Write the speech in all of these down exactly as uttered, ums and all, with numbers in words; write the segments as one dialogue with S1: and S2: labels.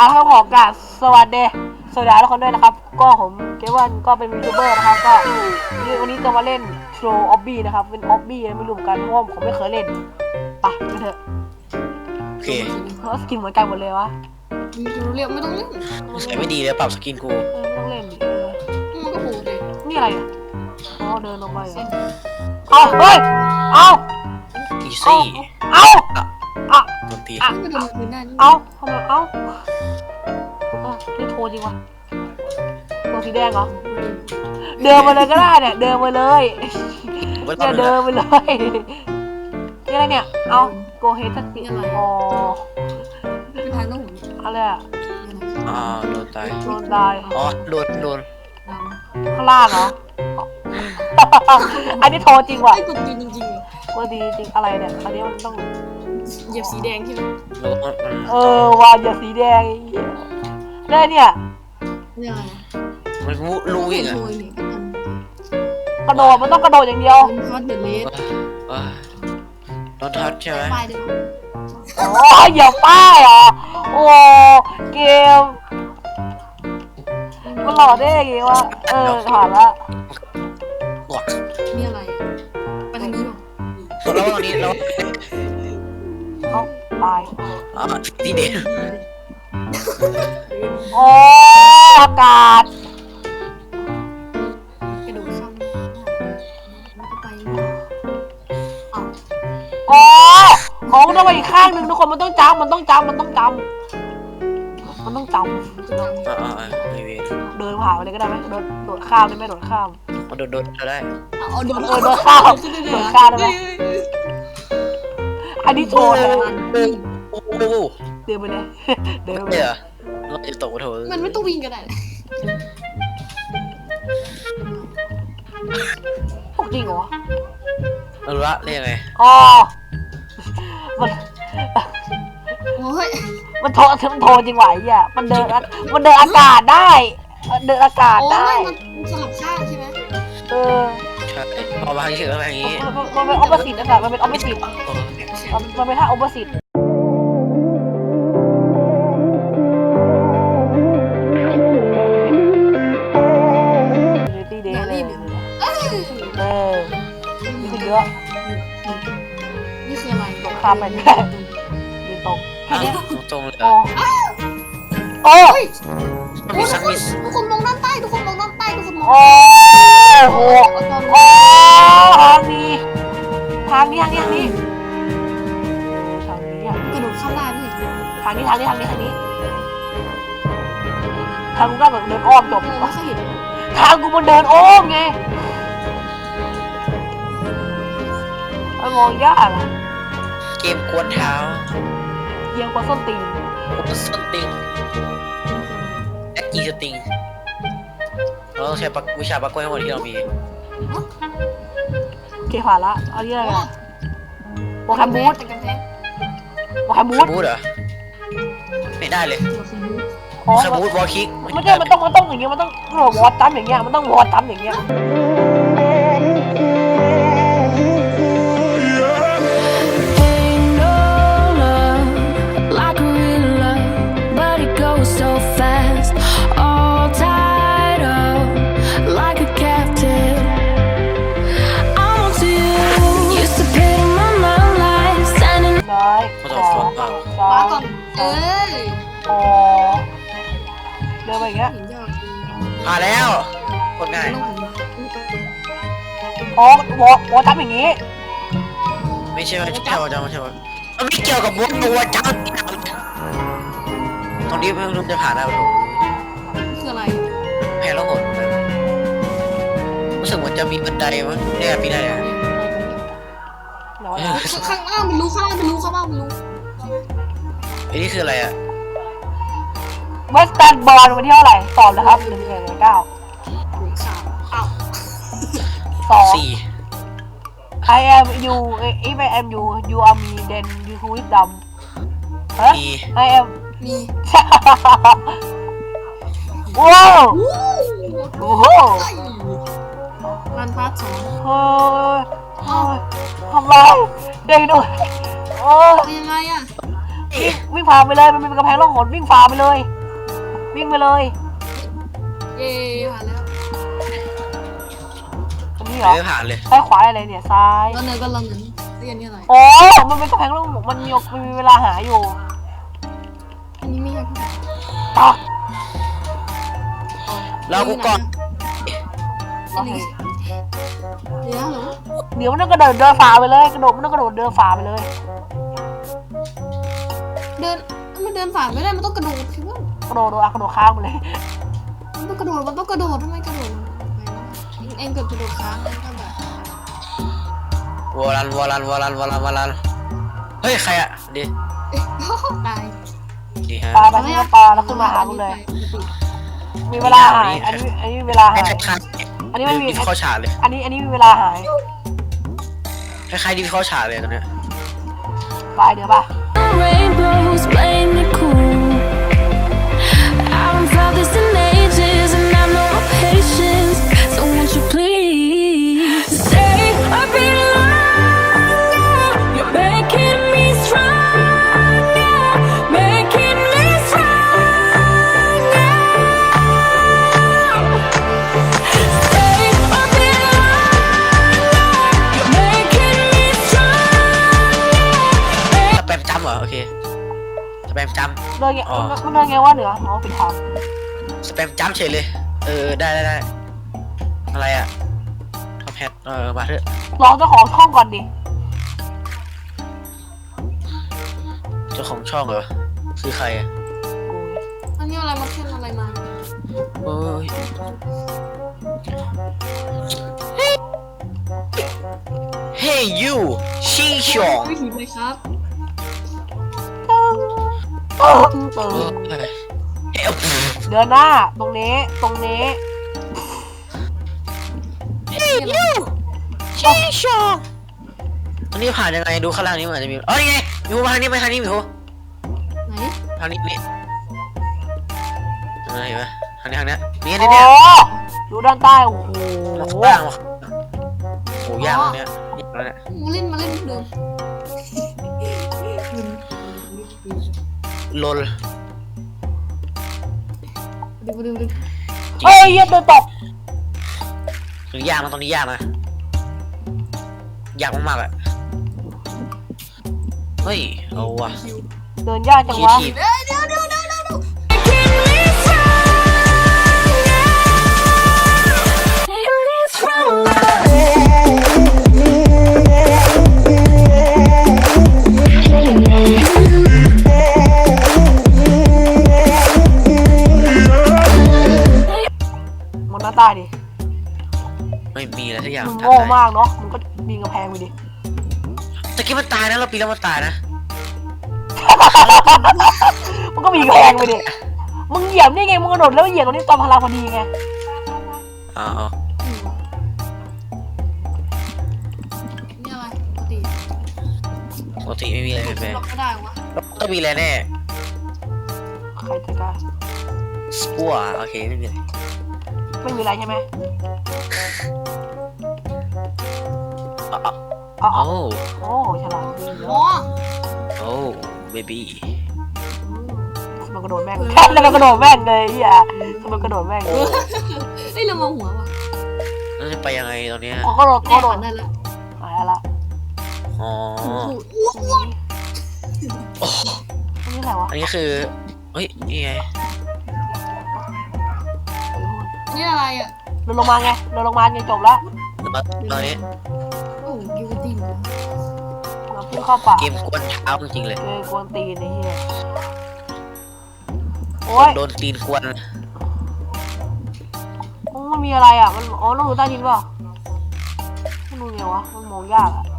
S1: เอาครับขอกราบสวัสดีสวัสดีทุกคนด้วยนะครับก็ผมเกวันก็เป็นยูทูบเบอร์นะครับก็วันนี้จะมาเล่นโชว์ออบบี้นะครับเป็นออบบี้ไม่รู้กันเพราะผมไม่เคยเล่นไปกันเถอะ
S2: โอเค
S1: เพราะสกินเหมือนกันหมดเลยวะ
S3: เรียกไม่ต้องเล่น
S2: ใช้ไม่ดีแล้วปรับสกินกู
S1: ไม่ต้องเล่นดิ
S3: มันก็โหดเลย
S1: นี่อะไรอ๋อเดินลงไปเอาเฮ้ยเอา
S2: อีซี่
S1: เอาเอา
S2: ตัวตี
S1: เอาทำไมเอานี่โทรจริงวะตัวสีแดงเหรอเดินมาเลยก็ได้เนี่ยเดินมาเลยเนี่ยเดินไปเลยนี่อะไรเนี่ยเอาโกเฮทักซี่อ๋อ
S3: เป็นทางต้อง
S1: อะไรอ่ะ
S2: อ๋อโดนตาย
S1: โดนตาย
S2: อ๋อโดนโดน
S1: ข้างล่างเหรออันนี้โทรจริงว่ะ
S3: กดจริงจริง
S1: ว่าดีจริงอะไรเนี่ยอันนี้มันต้อง
S3: เหยียบสีแดงใช่ไหม
S1: เออว่าเหยียบสีแดงเนี่ยเนี่ย
S3: เนี่ย
S2: มันรู้อีกอ่ะ
S1: กระโดดมันต้องกระโดดอย่างเดียว
S3: ทอดเดอะเลส
S2: โดนทัดใช่ไหม
S1: อ๋อเหยียบป้ายเหรอโอ้เกมมันหล่อได้ยังไงวะเออผ่านละ
S3: นี่อะไรไปทางนี้หรอ
S2: แล้วตอนนี้เรา
S1: เอาตาย
S2: อ่าที่เด่น
S1: โอ้อากาศ
S3: กระโดดข้ามแล้วก็ไป
S1: อ๋ออ๋อมันต้องไปอีกข้างหนึ่งทุกคนมันต้องจำมันต้องจำมันต้องจำมันต้องจำ
S2: อ่าอ่า
S1: เดินผ่านไปเลยก็ได้ไหมโดดโดดข้ามได้ไหมโดดข้าม
S2: โดดโดดก็ได้
S3: เอาโดด
S1: โดดข้ามโดดข้ามได้ไหมอันนี้โชว์เลย
S2: โอ้โห
S1: เดินไปเลยเดินไป
S2: เลยเราจะตกโถ
S3: มันไม่ต้องวิ่งก็ได้
S1: พวกจริงเหรอ
S2: รู้ละเรียกไง
S1: อ๋อมัน
S3: โอ้ย
S1: มันโทรมันโทรจริงไหวอ่ะมันเดินมันเดินอากาศได้เดินอากาศได้
S3: มันสลับข้างใช่ไหม
S1: เออ
S2: ใช่เอามาให้เชื่ออะไรอย่างงี้
S1: มันเป็นออปเปอร์สิตนะคะมันเป็นออปเปอร์สิตมันเป็นท่าออปเปอร์สิตตีเดย์เลยเออนี่คือเยอะ
S3: นี่คืออะไร
S1: ตกข้ามไปแค่ยืนตรงแค่นี้
S2: ตรงเลย
S1: โอ้โอ้
S3: มีสักมิสทุกคนมองด้านใต้ทุกคนมองด้านใต้ทุกคนมอง
S1: โอ้โหโอ้ทางนี้ทางนี้ทางนี้ทางนี้ทางนี้อ่ะ
S3: กระโดดข้ามได้ไหม
S1: ทางนี้ทางนี้ทางนี้ทางนี้ทางกูก็แบบเดินอ้อมจบทางกูมันเดินอ้อมไงมันมองยากอ่ะ
S2: เกมกวนเท้า
S1: เยียงกว่าส้นตีน
S2: กวนส้นตีนแอคกี้สติงเราต้องใช้ปักวิชาปักกล้วยทั้งหมดที่เรามี
S1: โอเคผ่านละเอาที่อะไรกันโปรแกรมบูทโปรแกรมบูท
S2: บูทเหรอไม่ได้เลยโปรแกรมบูทวอลคิก
S1: ไม่ใช่มันต้องมันต้องอย่างเงี้ยมันต้องวอร์จัมอย่างเงี้ยมันต้องวอร์จัมอย่างเงี้ย
S3: มาก่อนเอ้ย
S1: อ๋อเดินไปอย่างเงี้ย
S2: มาแล้วคนง่าย
S1: อ๋อวอวอจับอย่างงี้
S2: ไม่ใช่ไม่ใช่วอจับไม่ใช่วอมันไม่เกี่ยวกับวอวอจับตรงนี้ไม่รู้จะผ่านได้หรือเปล่า
S3: คืออะไร
S2: แพ้แล้วหดรู้สึกเหมือนจะมีบันไดมั้งเนี่ยมีได้อะ
S3: ข้างล่างมันรู้ข้างล่างมันรู้ข้างล่างมันรู้
S2: ไอ้นี่คืออะไรอะ
S1: เวสตันบอลวันที่เท่าไหร่ตอบนะครับหนึ่งเอ็ดเก้าสองสี่ I am you if I am you you are me then you who is dumb ฮะ I am
S3: มี
S1: ว้าวโอ้โห
S3: รันพาร์ทสอง
S1: เฮ้ยทำไรเด็กดูโอ้
S3: ยังไงอะ
S1: วิ่งวิ่งฝ่าไปเลยมันเป็นกำแพงล่องหนวิ่งฝ่าไปเลย วิ่งไปเลย
S3: เย่ผ่านแล้ว
S1: ตรงนี้เหรอ
S2: ไม่ผ่านเลย
S1: ซ้ายขวาอะไรเนี่ยซ้าย
S3: ก็เนินก็ลองนั้นเรียนนี่อะไร
S1: โอ้มันเป็นกำแพงล่องมันมีมันมีเวลาหาอยู่
S3: อันนี้ไม่ใช่ผู้ชาย
S1: ตัก
S2: เรากูก่อน
S3: อันนี้เดี๋ยวเหรอ
S1: เดี๋ยวมันต้องกระโดดเดินฝ่าไปเลยกระโดดมันต้องกระโดดเดินฝ่าไปเลย
S3: เดินมันเดินผ่านไม่ได้มันต้องกระโดดคือว่าก
S1: ระโดดโดดอะกระโดดค้างไปเลย
S3: มันต้องกระโดดมันต้องกระโดดทำไมกระโดดเองเกิดกระโดดค้างเลยก็แบบ
S2: วอลันวอลันวอลันวอลันวอลันเฮ้ยใครอะดี
S3: ตาย
S2: ดีฮะ
S1: ปลาไปที่ปลาแล้วขึ้นมาหาคุณเลย มีเวลาหายอันนี้อันนี้มีเวลา
S2: ให้
S1: หาย
S2: คล้าย
S1: อันนี้ไม่มี
S2: ดิฟเข้าฉากเลย
S1: อันนี้อันนี้มีเวลาหาย
S2: คล้ายๆดิฟเข้าฉากเลยตรงเนี้ย
S1: ไปเดี๋ยวป่ะ
S4: Rainbows playing it cool. I haven't felt this in ages, and I have no patience. So won't you please stay a bit longer? You're making me stronger, making me stronger. Stay a bit longer. You're making me stronger.
S2: สแปมจำเหรอโอเคสแปมจ
S1: เดินไงมันเดินไงว่าเหนืออ๋อปิดทาง
S2: ำสแปมจำเฉยเลยเออได้ได้ได้อะไรอะท็อปแฮทเออมาเถอะ
S1: ลองเจ้าของช่องก่อนดิ
S2: เจ้าของช่องเหรอคือใครอะ
S3: อันนี้อะไรมาขึ้นอะไรมา
S2: โอ้ยเฮ้ยยูชิงชอง
S3: วิถีเลยครับ
S1: ตึ้งตึ้ง
S2: เอ
S1: ตึ้ง
S2: อเฮ้ย
S1: เดินหน้าตรงนี้ตรงนี้
S3: นี่อะไร
S2: ชิงชองตรงนี้ผ่านยังไงดูข้างล่างนี้มันอาจจะมีอ๋อนี่ไงมีหูมาทางนี้ไปทางนี้มีหู
S3: ไหน
S2: ทางนี้นี่อะไรวะทางนี้ทางนี้นี่
S1: โอ้
S2: นี่เนี่ย
S1: ดูด้านใต้โอ้โห
S2: ว่างวะโอ้ยากตรงเนี้ยยากแล้วเนี่ย
S3: มาเล่นมาเล่นเดิม
S2: ลน
S3: ดูดูดู
S1: เฮ้ยเหี้ยเดินตก
S2: ตรงนี้ยากนะตรงนี้ยากนะยากมากๆอะเฮ้ยเอาว่ะ
S1: เดินยากจัง
S2: คี
S1: วะ
S2: ทีฟ
S3: เดี๋ยวเดี๋ยวเดี๋ยวเดี๋ยวเดี๋ยว
S4: Making me stronger.
S1: มองหน้าใต้ดิ
S2: ไม่มีอะไรสักอย่าง
S1: มึง
S2: ทำ
S1: โง่
S2: ได้
S1: มากเนาะมึงก็ปีนกำแพงไปดิ
S2: ตะกี้มันตายนะเราปีนแล้วมันตายนะ
S1: มันก็มีกำแพงไปดิมึงเหยียบนี่ไงมึงกระโดดแล้วเหยียบตรงนี้ตอนพลังพอดีไง
S2: อ๋อ
S3: นี่อะไรปกติ
S2: ปกติไม่มีอะไรแปลก
S3: ล็อกไม่ได้วะ
S2: ๆต้องมีอะไรแน่
S1: ใครจะกล้า
S2: สปัวโอเคไม่มีอะไร
S1: ไม่มีอะไรใช่ไหม
S2: อ๋ออ๋อ
S1: อ๋อ
S2: โอ้
S1: โอ้ฉลาดดี
S3: อ๋อ
S2: โอ้เบบี้
S1: มันกระโดดแม่งแค่จะมันกระโดดแม่งเลยเฮียมันกระโดดแม่ง
S3: เฮ้ยเรามองหัวว่ะ
S2: แล้วจะไปยังไงตอนเนี้ย
S1: เขากระโดด
S3: แน่
S1: กระโด
S3: ผ่า
S1: ด
S3: นได้แล้ว
S1: หายละ
S2: อ๋อ
S3: อ้วกอ้วก
S2: โอ้
S1: อันนี้อะไรวะ
S2: อันนี้คือเฮ้ยนี่ไง
S3: นี่อะไรอ่ะ
S1: เดินลงมาไงเดินลงมาไงจบแล้ว
S2: ตอนนี้
S3: โอ้ยูติน
S1: เราพุ่งเข้าป่า
S2: เกมกวนเท้าจริงๆเลย
S1: เจอกวนตีนไอ้เหี้ยโอ้ย
S2: โดนตีนกวน
S1: มันมีอะไรอ่ะมันอ๋อต้องดูใต้ดินเปล่ามันดูไงวะมันมองยากอ่ะ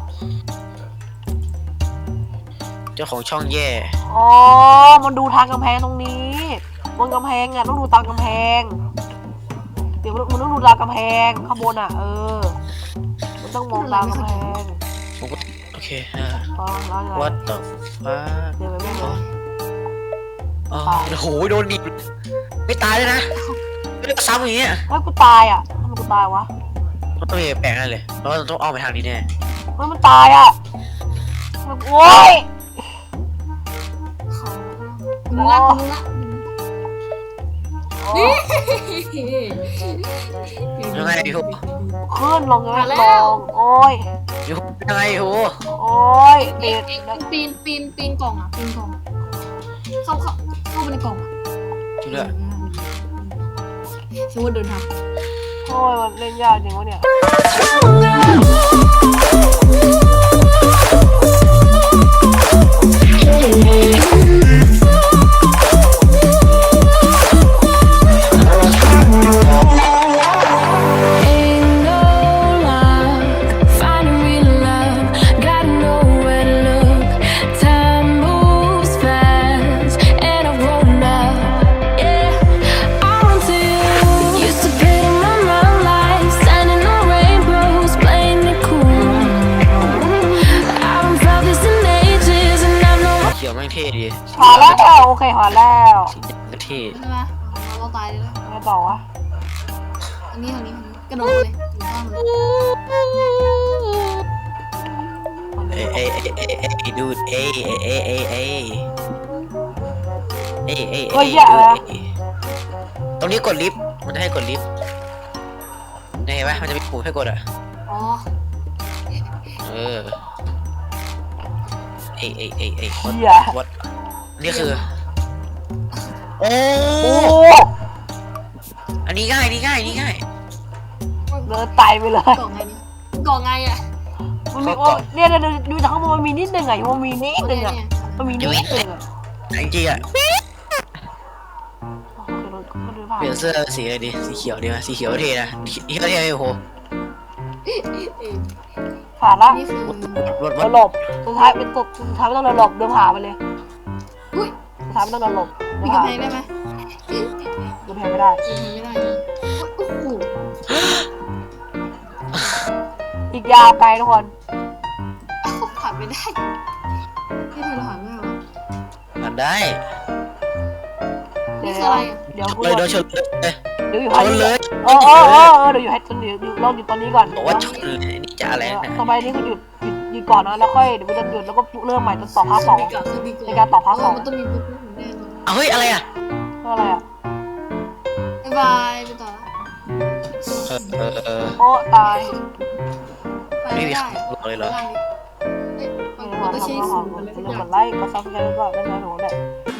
S2: เจ้าของช่องแย่
S1: อ๋อมันดูทางกำแพงตรงนี้บนกำแพงอ่ะต้องดูตามกำแพงเดี๋ยวมันต้องดูตามกำแพงข้างบนอ่ะเออมันต้องมองตามกำแพง
S2: ผมก็โอเคอ่า
S1: ฟังแล้วอะไร
S2: what the fuck
S1: เดี๋ยวไปไม่เลย
S2: อ๋อโอ้โหโดนดิบไม่ตายเลยนะไม่ได้ซ้ำอย่างเงี้ย
S1: เฮ้ยกูตายอ่ะทำไมกูตายวะ
S2: มันต้องมีแปลกแน่เลยเพราะว่าต้องอ้อมไปทางนี้แน่
S1: เฮ้ยมันตายอ่ะมันโอ้ย
S3: รู้ละรู้ละ
S1: โอ้
S2: ยังไงพี่โห
S1: ขึ้นลงยังไม่ลงโอ้ย
S2: พี่โหยังไงพี่โห
S1: โอ้ย
S3: เอ็
S1: ติ
S3: ง
S1: ด
S3: เอ็งปีนปีนปีนกล่องอ่ะปีนกล่องเข้าเข้าเข้าไปในกล่องอ่ะ
S2: จุดละ
S3: สมมติเดินทาง
S1: โอ้ยมันเล่นยากจริงวะเนี่ย
S4: Ain't no luck finding real love. Gotta know where to look. Time moves fast, and I've grown up. Yeah, I run to you. Used to pit in my mind like standing on rainbows, playing it cool. I haven't felt this in ages, and I know.
S2: เขียวแม่งเท่ดี
S1: ผ่านแล้วโอเคผ่านแล้ว
S2: สีแดงก็เท่
S3: ใช่ไหมเราตายเลยแล้ว
S1: ไงต่อวะ
S3: อันนี้อันนี้กระโดดเลยถึงข้างเลย
S2: เอ้ยเอ้ยเอ้ยเอ้ยเอ้ยดูดเอ้ยเอ้ยเอ้ยเอ้ยเอ้ยเอ้ยเอ้ยเอ้ยตรงนี้กดลิฟต์มันจะให้กดลิฟต์เห็นไหมมันจะมีปุ่มให้กดอ่ะ
S3: อ๋อ
S2: เออเอ้ยเอ้ยเอ้ยเอ้ย
S1: เฮีย
S2: วัดนี่คือโอ้
S1: โอ้
S2: อันนี้ง่ายนี่ง่ายนี่ง่าย
S1: เดินไต่ไปเลย
S3: กล่องไงเนี่ยกล่องไงอ่ะ
S1: มันมีโอ้เนี่ยเนี่ยดูดูจากข้างบนมันมีนิดนึงไงมันมีนิดนึงอ่ะ
S3: เนี่ย
S1: มันมีนิดนึงอ่ะ
S2: จริงๆอ่ะ
S1: คือเราก็เดินผ่าน
S2: เปลี่ยนเสื้อสีอะไรดีสีเขียวดีไหมสีเขียวเท่นะสีเขียวเท่ไหมโอ้โห
S3: เออ
S1: ผ่านละ
S3: นี่คือ
S2: รถร
S1: เรา
S2: ถ
S1: หลบสุดท้ายเป็นสุดสุดท้ายไม่ต้องเดินหลบเดินผ่านไปเลย
S3: อุ้ย
S1: สุดท้ายไม่ต้องเดินหลบเดิ
S3: มี
S1: น
S3: กำ
S1: ผ่าน
S3: แพงได้ไหม
S1: เดินแพงไม่ได้
S3: กำแพงไม่ได้เลยโอ้โห
S1: อีกยาวไกลทุกคน
S3: ผ่านไม่ได้ที่เธอผ่านไม่ได้วะ
S2: ผ่านได้
S1: เดี๋ยว
S3: นี่คืออะไรอ่ะ
S1: เดี๋ยวกู
S2: เลยโดนชนเลย
S1: เดี๋ยวอยู่
S2: ช
S1: ให้
S2: นเลย
S1: เออเออเออเออเดี๋ยวอยู่ให้เดี๋ยวอยู่ลองอยู่ตอนนี้ก่อน
S2: บอกว่าชนเลยนี่จะอะไรนะ
S1: ทำไมนี่ก็หยุดหยุดหยุดก่อนนะแล้วค่อยเดี๋ยวกูจะหยุดแล้วก็เริ่มใหม่จนต่อภาคสอง
S3: มีการคือมี
S1: ในการต่อภาคสอง
S3: มันต้องมีปุ๊บปุ๊บแน่นอน
S2: เอาเฮ้ยอะไรอ่ะ
S1: เพื่ออะไรอ่ะ
S3: บ๊ายบายไปต่อละ
S2: เออเออเออ
S1: โอ้ตาย
S3: ไป
S2: ไม่
S3: ไม่
S2: มี
S3: ได้
S2: ใครบอกเลยเหรอ
S3: เอ้ย
S1: เอ
S3: มัน
S1: อ
S3: ต้องใช้
S1: ทำ
S3: สู
S1: ทำ
S3: งอะไร
S1: ทำ
S3: สัก
S1: เรื่อง
S3: อย่าก ง
S1: ดไลค์กดซับสไครต์ก็ได้นะหนูเนี่ย